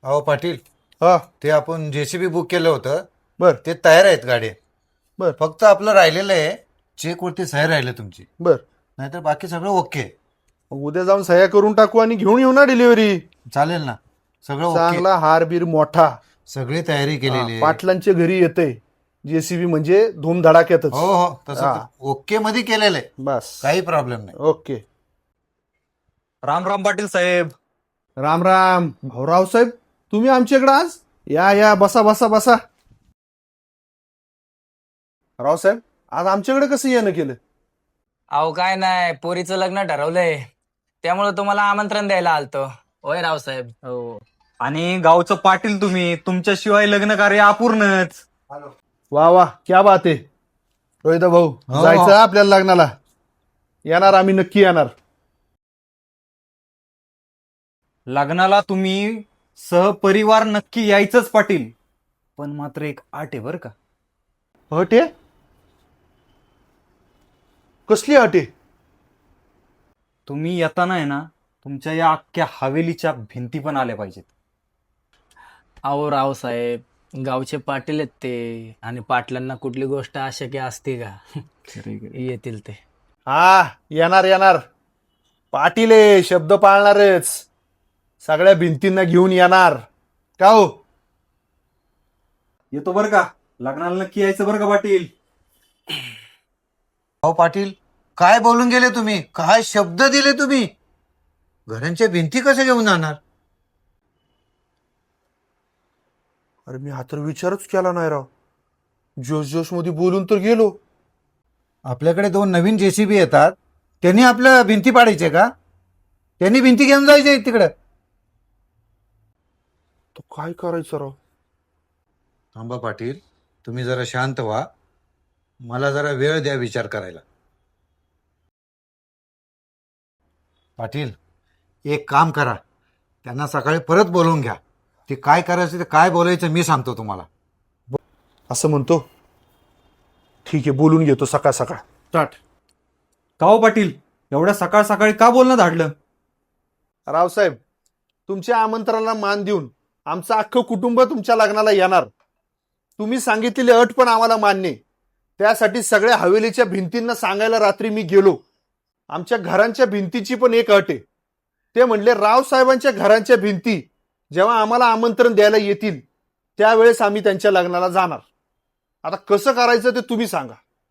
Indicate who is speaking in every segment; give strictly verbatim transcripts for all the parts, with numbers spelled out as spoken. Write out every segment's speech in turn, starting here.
Speaker 1: अहो पाटील,
Speaker 2: हा
Speaker 1: ते आपण जेसीबी बुक केलं होतं.
Speaker 2: बर
Speaker 1: ते तयार आहेत गाडी.
Speaker 2: बर
Speaker 1: फक्त आपलं राहिलेलं आहे चेक वरती सही राहिले तुमची,
Speaker 2: बर
Speaker 1: नाहीतर बाकी सगळं ओके.
Speaker 2: उद्या जाऊन सह्या करून टाकू आणि घेऊन येऊ ना डिलिव्हरी.
Speaker 1: चालेल ना, सगळं ओके.
Speaker 2: चांगला हारबीर मोठा.
Speaker 1: सगळी तयारी
Speaker 2: हा,
Speaker 1: केलेली आहे.
Speaker 2: पाटलांच्या घरी येते जेसीबी म्हणजे धूमधडाक्यातच.
Speaker 1: हो हो, तसं
Speaker 2: हा.
Speaker 1: तर ओके मध्ये केलेलं आहे,
Speaker 2: बस
Speaker 1: काही प्रॉब्लेम नाही.
Speaker 2: ओके.
Speaker 3: राम राम पाटील साहेब.
Speaker 2: राम राम भाऊराव साहेब, तुम्ही आमच्याकडे आज या या बसा बसा बसा. रावसाहेब, आज आमच्याकडे कसं येणं केलं?
Speaker 4: अहो काय नाही, पोरीचं लग्न ठरवलंय, त्यामुळे तुम्हाला आमंत्रण द्यायला आलतो. होय रावसाहेब.
Speaker 3: हो, आणि गावचं पाटील तुम्ही, तुमच्याशिवाय लग्न कार्य अपूर्णच.
Speaker 2: वा वा, क्या बात आहे. रोहित भाऊ,
Speaker 1: हो.
Speaker 2: जायचं आपल्याला लग्नाला. येणार आम्ही, नक्की येणार.
Speaker 3: लग्नाला तुम्ही सहपरिवार नक्की यायचंच पाटील, पण मात्र एक आट आहे बरं का.
Speaker 2: अट आहे? कसली अट आहे?
Speaker 3: तुम्ही येताना आहे ना, तुमच्या या अख्ख्या हवेलीच्या भिंती पण आल्या पाहिजेत.
Speaker 4: अहो रावसाहेब, गावचे पाटील आहेत ते, आणि पाटलांना कुठली गोष्ट अशक्य असते का? येतील ते.
Speaker 2: हा, येणार येणार. पाटील आहे, शब्द पाळणारच. सगळ्या भिंतींना घेऊन येणार. का हो?
Speaker 3: येतो बरं का, लग्नाला नक्की यायचं बरं का पाटील.
Speaker 1: अहो पाटील, काय बोलून गेले तुम्ही, काय शब्द दिले तुम्ही. घरांच्या भिंती कसे घेऊन जाणार?
Speaker 2: अरे मी हा तर विचारच केला नाही राव. जोश जोश मध्ये बोलून तर गेलो.
Speaker 1: आपल्याकडे दोन नवीन जेसीबी येतात, त्यांनी आपल्या भिंती पाडायचे का? त्यांनी भिंती घेऊन जायचे तिकडे.
Speaker 2: तो काय करायचं राव?
Speaker 1: थांबा पाटील, तुम्ही जरा शांत व्हा. मला जरा वेळ द्या विचार करायला. पाटील, एक काम करा, त्यांना सकाळी परत बोलवून घ्या. ते काय करायचं ते काय बोलायचं मी सांगतो तुम्हाला.
Speaker 2: असं म्हणतो. ठीक आहे, बोलून घेतो सकाळ सकाळ. स्टार्ट.
Speaker 3: का हो पाटील, एवढ्या सकाळ सकाळी का बोलणं धाडलं?
Speaker 2: रावसाहेब, तुमच्या आमंत्रणाला मान देऊन आमचं अख्खं कुटुंब तुमच्या लग्नाला येणार. तुम्ही सांगितलेली अट पण आम्हाला मान्य आहे. त्यासाठी सगळ्या हवेलीच्या भिंतींना सांगायला रात्री मी गेलो. आमच्या घरांच्या भिंतीची पण एक अट आहे. ते म्हणले रावसाहेबांच्या घरांच्या भिंती जेव्हा आम्हाला आमंत्रण द्यायला येतील त्यावेळेस आम्ही त्यांच्या लग्नाला जाणार. आता कसं करायचं ते तुम्ही सांगा.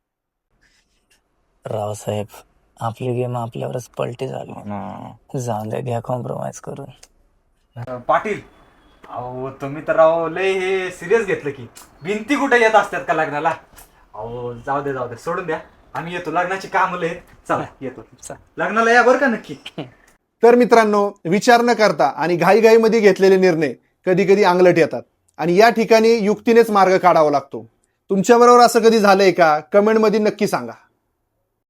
Speaker 4: रावसाहेब, आपली गेम आपल्यावरच पलटी झाली ना. जाऊन द्या, घ्या कॉम्प्रोमाइज करून.
Speaker 3: अं, पाटील, अहो तुम्ही तर राव लय हे सिरियस घेतलं की भिंती कुठे येत असतात का लग्नाला. अहो जाऊ दे जाऊ दे, सोडून द्या. आम्ही येतो, लग्नाची कामं लय आहेत. चला येतो, लग्नाला या बरं का नक्की.
Speaker 2: तर मित्रांनो, विचार न करता आणि घाईघाईमध्ये घेतलेले निर्णय कधी कधी अंगलट येतात आणि या ठिकाणी युक्तीनेच मार्ग काढावा लागतो. तुमच्याबरोबर असं कधी झालंय का? कमेंटमध्ये नक्की सांगा.